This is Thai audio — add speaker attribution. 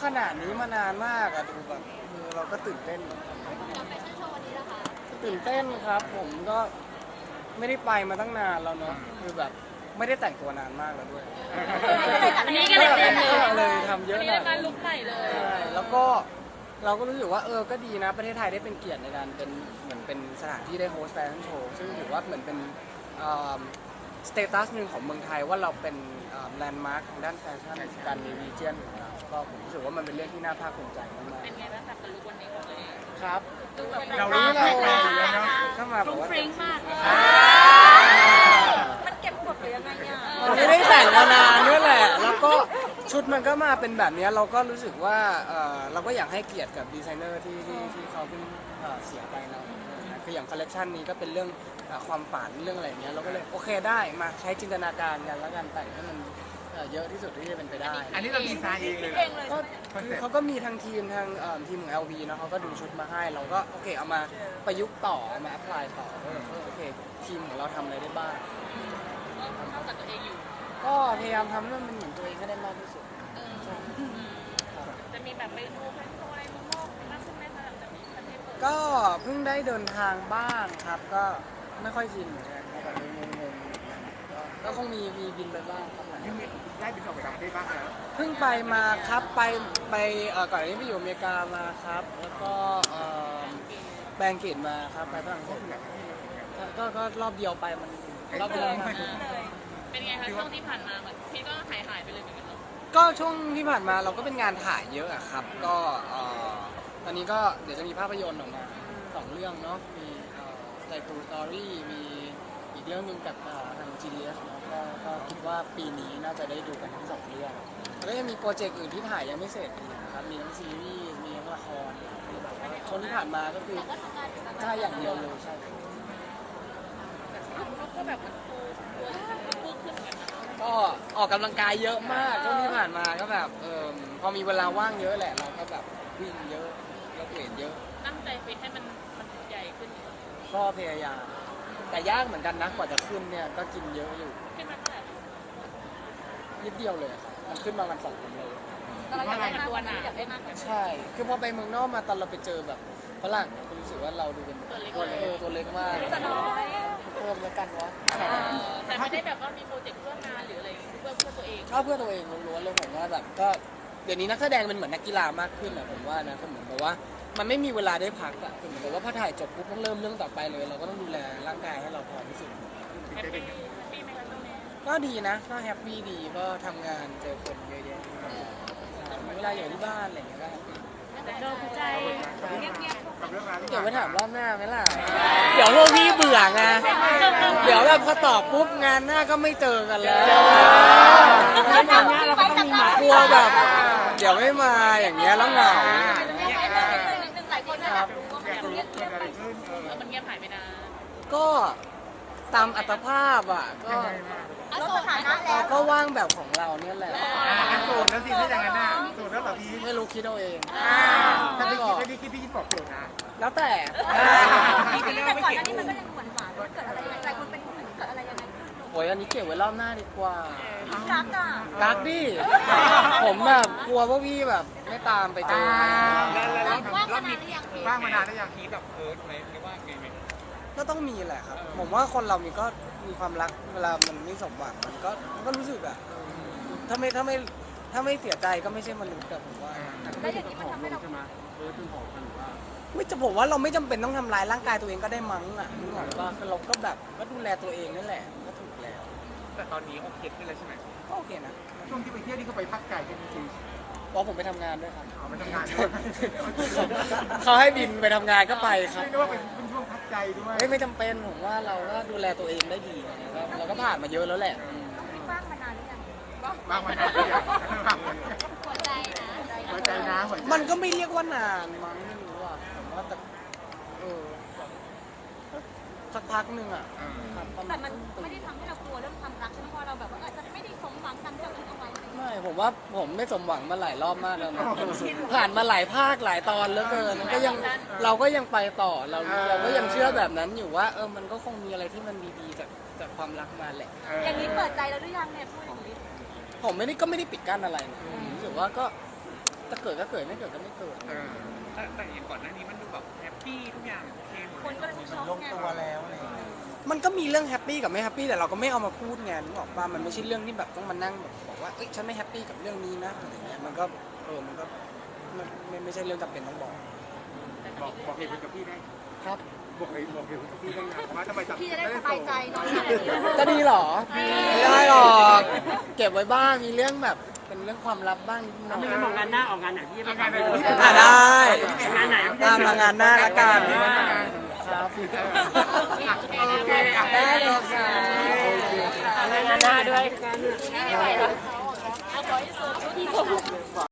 Speaker 1: ขนาดนี้มานานมากอะดูแบบเราก็ตื่นเต้น
Speaker 2: กับแฟชั่นโชว์วันนี้ล่ะคะ
Speaker 1: ตื่นเต้นครับผมก็ไม่ได้ไปมาตั้งนานแล้วเนาะคือแบบไม่ได้แต่งตัวนานมากแล้วด้วย
Speaker 2: อันนี้ก็เลยเต็มเลย
Speaker 1: เลยทำเยอะหน่อย
Speaker 2: การลุกใหม่เลย
Speaker 1: ใช่แล้วก็เราก็รู้สึกว่าก็ดีนะประเทศไทยได้เป็นเกียรติในการเป็นเหมือนเป็นสถานที่ได้โฮสต์แฟชั่นโชว์ซึ่งถือว่าเหมือนเป็นสเตตัสหนึ่งของเมืองไทยว่าเราเป็นแลนด์มาร์คทางด้านแฟชั่นการมีรีเจียนของเราก็ผมรู้สึกว่ามันเป็นเรื่องที่น่าภาคภูมิใจมาก
Speaker 2: เป็นไงบ้างกับลุกวันนี้ของตัวเอง
Speaker 1: ๆครับ
Speaker 2: ดูแบบ
Speaker 3: เรารู้เราอยู่แล้วเนาะ
Speaker 1: เข้ามาบอกว่า
Speaker 2: ฟริ้งมากมันเก็บกดหรือยังไงเนี่ย
Speaker 1: มันไม่ได้แต่งมานานด้วยแหละ แล้วก็ชุดมันก็มาเป็นแบบนี้เราก็รู้สึกว่าเราก็อยากให้เกียรติกับดีไซเนอร์ที่เขาเพิ่งเสียไปเราคืออย่างคอลเลกชันนี้ก็เป็นเรื่องความฝันเรื่องอะไรอย่างเงี้ยเราก็เลยโอเคได้มาใช้จินตนาการกันแล้วกันแต่งให้มันเยอะที่สุดที่จะเป็นไปได้
Speaker 3: อันนี้เราดีไซน์เองเลยเหรอ
Speaker 1: ก็คือเขาก็มีทางทีมทีมของ LV นะเขาก็ดูชุดมาให้เราก็โอเคเอามาประยุกต์ต่อเอามาแอพพลายต่อโอเคทีมของเราทำอะไรได้บ้าง
Speaker 2: ก็เข้ากับตัวเองอยู่
Speaker 1: ก็พยายามทำให้มันเหมือนตัวเองให้ได้มากที่สุด
Speaker 2: จะมีแบบไปดูแฟชั่นโชว์อะไรมุมมองมากขึ้นไหมคะหลังจากนี้ประเทศเปิด
Speaker 1: ก็เพิ่งได้เดินทางบ้างครับก็ไม่ค่อยชินเหมือนกันแบบงงๆก็คงมีบินไปบ้างครับ
Speaker 3: ยังมีได้บินออกไปต่างประเทศบ้างแล้ว
Speaker 1: เพิ่งไปมาครับไปก่อนอันนี้ไปอยู่อเมริกามาครับ แล้วก็แบงเกตมาครับไปฝรั่งเศสก็รอบเดียวไปมันรอบเดียวมาก
Speaker 2: เป็นไงคะช่วงที่ผ่านมาเหมือนพี่ก็หายไปเลยเหมือนกันเนาะ
Speaker 1: ก็ช่วงที่ผ่านมาเราก็เป็นงานถ่ายเยอะอะครับก็ตอนนี้ก็เดี๋ยวจะมีภาพยนตร์ออกมา2 เรื่องเนาะมีใจฟูสตอรี่มีอีกเรื่องหนึงกับทาง GDS เนาะก็คิดว่าปีนี้น่าจะได้ดูกันทั้ง2 เรื่องแล้วก็ยังมีโปรเจกต์อื่นที่ถ่ายยังไม่เสร็จอีกนะครับมีทั้งซีรีส์มีทั้งละครที่แบบว่าช่วงที่ผ่านมาก็คือ
Speaker 2: ก็ทำงานอยู่แบบ
Speaker 1: ถ่ายอย่างเดียวเลยใช่
Speaker 2: เขาก็แบบมันตัวพูดขึ้นเหมือนกันนะ
Speaker 1: ก็ออกกำลังกายเยอะมากช่วงที่ผ่านมาก็แบบพอมีเวลาว่างเยอะแหละเราก็แบบวิ่งเยอะแล้วเวทเยอะ
Speaker 2: ตั้งใจฟิตให้มันใหญ่ขึ้น
Speaker 1: ก็พยายามแต่ยากเหมือนกันนะกว่าจะขึ้นเนี่ยก็กินเยอะอยู่
Speaker 2: ขึ้นมาเท่าไหร่
Speaker 1: นิดเดียวเลยอะครับมันขึ้นมาวัน2 วันเลย
Speaker 2: แต่เราอยากได้มากกว่านี้อยากได้มากกว่านี้
Speaker 1: ใช่ คือพอไปเมืองนอกมาตอนเราไปเจอแบบฝรั่งเนี่ยก็รู้สึกว่าเราดูเป็นตัวเล็กมาก
Speaker 2: แต่น้อย
Speaker 1: เพิ่มแล้วกันวะ
Speaker 2: แต่ไม่ได้แบบว่ามีโปรเจกต์เพื่องานหรืออะไรเพื่อตัวเอง
Speaker 1: ชอบเพื่อตัวเองล้วนๆเลยผมว่าแบบก็เดี๋ยวนี้นักแสดงเป็นเหมือนนักกีฬามากขึ้นอะผมว่านะก็เหมือนกับว่ามันไม่มีเวลาได้พักอะคือเหมือนกับว่าพอถ่ายจบปุ๊บต้องเริ่มเรื่องต่อไปเลย เราก็ต้องดูแลร่างกายให้เราพร้อมที่สุด
Speaker 2: แฮปปี้ไหมคะช่วงนี้
Speaker 1: ก็ดีนะก็แฮปปี้ดีก็ทำงานเจอคนเยอะแยะมีเวลาอยู่ที่บ้านอะไรอย่างเงี้ยก็แฮปปี้
Speaker 2: แต่ก็ใจเงียบ
Speaker 3: กับเรื่องราวที่
Speaker 1: เดี๋ยวไปถามรอบหน้าไหมล่ะ เดี๋ยวพวกพี่เบื่อไง เดี๋ยวแบบพอตอบปุ๊บงานหน้าก็ไม่เจอกันแล้ว
Speaker 2: ๆเราก็ต้องมีหมาก
Speaker 1: ลัวแบบ เดี๋ยวไม่มาอย่างเงี้ยแล้วเหงา
Speaker 2: หลายคนอยากรู้ว่า
Speaker 3: อยากรู้เกิดอะไรขึ้น
Speaker 2: มันเงียบหายไปนาน
Speaker 1: ก็ตามอัตภาพอ่ะก็
Speaker 2: ลดสถานะแล้
Speaker 1: เรา
Speaker 2: ว
Speaker 1: ก็ว่างแบบของเราเนี่ยแหละ
Speaker 3: งั้นโสดแล้วสิถ้าอย่างนั้นน่ะโสดแล้วเหรอพี่
Speaker 1: ไม่รู้คิดเอาเอง
Speaker 3: ถ้าพี่คิดพี่คิดบอกโสดนะ
Speaker 1: แล้วแต่
Speaker 2: แต่ก่อนหน้านี้มันก็ยังหวานมันเกิดอะไรหลายคนเป็นห่วงเกิดอะไรยังไง
Speaker 1: โอ้ยอันนี้เก็บไว้รอบหน้าดีกว่า
Speaker 2: รักอ่ะ
Speaker 1: กักดิ ผมแบบกลัวพวกพี่แบบไม่ตามไปเจอ
Speaker 2: ว่างมานานหรือยังพี่
Speaker 3: ว่างมานานแล้วยัง
Speaker 4: คิดแบบเอิร์ธไหมหรือว่าไงไหม
Speaker 1: ก็ต้องมีแหละครับ ผมว่าคนเรามีก็มีความรักเวลามันไม่สมหวังมันก็รู้สึกอะถ้าไม่เสียใจก็ไม่ใช่มนุษย์อะผมว่า
Speaker 2: แล้วอย่างนี้มันทำให้เรา
Speaker 1: ไม่จะผมว่าเราไม่จำเป็นต้องทำร้ายร่างกายตัวเองก็ได้มั้งอะนึกออกปะคือเราก็แบบก็ดูแลตัวเองนั่นแหละก็ถูกแล้ว
Speaker 4: แต่ตอนนี้โอเคขึ้นแล้วใช่ไหม
Speaker 1: ก็โอเคนะ
Speaker 3: ช่วงที่ไปเที่ยวนี่ก็ไปพักไก่กันจริง
Speaker 1: เพราะผมไปทำงานด้วยครับ
Speaker 3: ๆเอาไปทำงานด้วย
Speaker 1: เขาให้บินไปทำงานก็ไปครับ
Speaker 3: ไม่รู้ว่าเป็นช่วงพักใจด้วย
Speaker 1: ไม่จำเป็นผมว่าเราก็ดูแลตัวเองได้ดีนะครับเราก็ผ่านมาเยอะแล้วแหละ
Speaker 2: ว่างมานานหรือยัง
Speaker 3: ว่างมานานแล้วยัง
Speaker 2: หัวใจนะ
Speaker 3: หัวใจนะหัวใจ
Speaker 1: มันก็ไม่เรียกว่านานมั้งไม่รู้อ่ะผมว่าแต่สักพักหนึ่งอ่ะครับประา
Speaker 2: แต่
Speaker 1: ณ
Speaker 2: มันไม่ได้ทำให้เรากลัวเรื่องความรักใช่ไหมเพราะเราแบบว่าอาจจะไม่ได้สมหวังตามที่เราคิดเอาไว้
Speaker 1: ไม่ผมว่าผมไม่สมหวังมาหลายรอบมากแล้วนะผ่านมาหลายภาคหลายตอนเหลือเกินก็ยังเราก็ยังไปต่อเราก็ยังเชื่อแบบนั้นอยู่ว่ามันก็คงมีอะไรที่มันดีๆจากความรักมาแหละ
Speaker 2: อย่างนี้เปิดใจแล้วหรือยังเนี่ยพูดอย่างนี้
Speaker 1: ผมก็ไม่ได้ปิดกั้นอะไรนะผมรู้สึกว่าก็จะเกิดก็เกิดไม่เกิดก็ไม่เกิด
Speaker 4: แต่อย่างก่อนหน้านี้มันดูแบบแฮปปี้ทุกอย่างโอเคหมด
Speaker 2: คนก็เลยช็อก
Speaker 5: ลง
Speaker 2: ไง
Speaker 5: ตัวแล้วอะไรอย่างเงี้ย
Speaker 1: มันก็มีเรื่องแฮปปี้กับไม่แฮปปี้แต่เราก็ไม่เอามาพูดไงนึกออกป่ะมันไม่ใช่เรื่องที่แบบต้องมานั่งแบบบอกว่าเอ้ยฉันไม่แฮปปี้กับเรื่องนี้นะอะไรเงี้ยมันก็มันก็ไม่ใช่เรื่องจำเป็นต้องบอก
Speaker 3: บอกเหตุผลกับพี่ได้
Speaker 1: ครับ
Speaker 3: บอกเหตุผลกับพี่ได้ไงว่าทำไม
Speaker 2: พี่จะได้สบายใจนอนหลับ
Speaker 1: จะดีเหรอไม่ได้หรอก เก็บไว้บ้างมีเรื่องแบบเป็นเรื่องความลับบ้างนิดหน่อย
Speaker 5: ไม่งั้นมองงานหน้าออกงานไหนพี่จะไปทำ
Speaker 1: ได้
Speaker 5: งานไหน
Speaker 1: ตามมางานหน้าละกัน
Speaker 3: ครับ
Speaker 1: ครับ
Speaker 3: โอเคอ่ะ
Speaker 1: ได้เลยค่ะ
Speaker 5: งานหน้าด้วย
Speaker 2: ไม่ไหวแล้วเอาขอให้สุด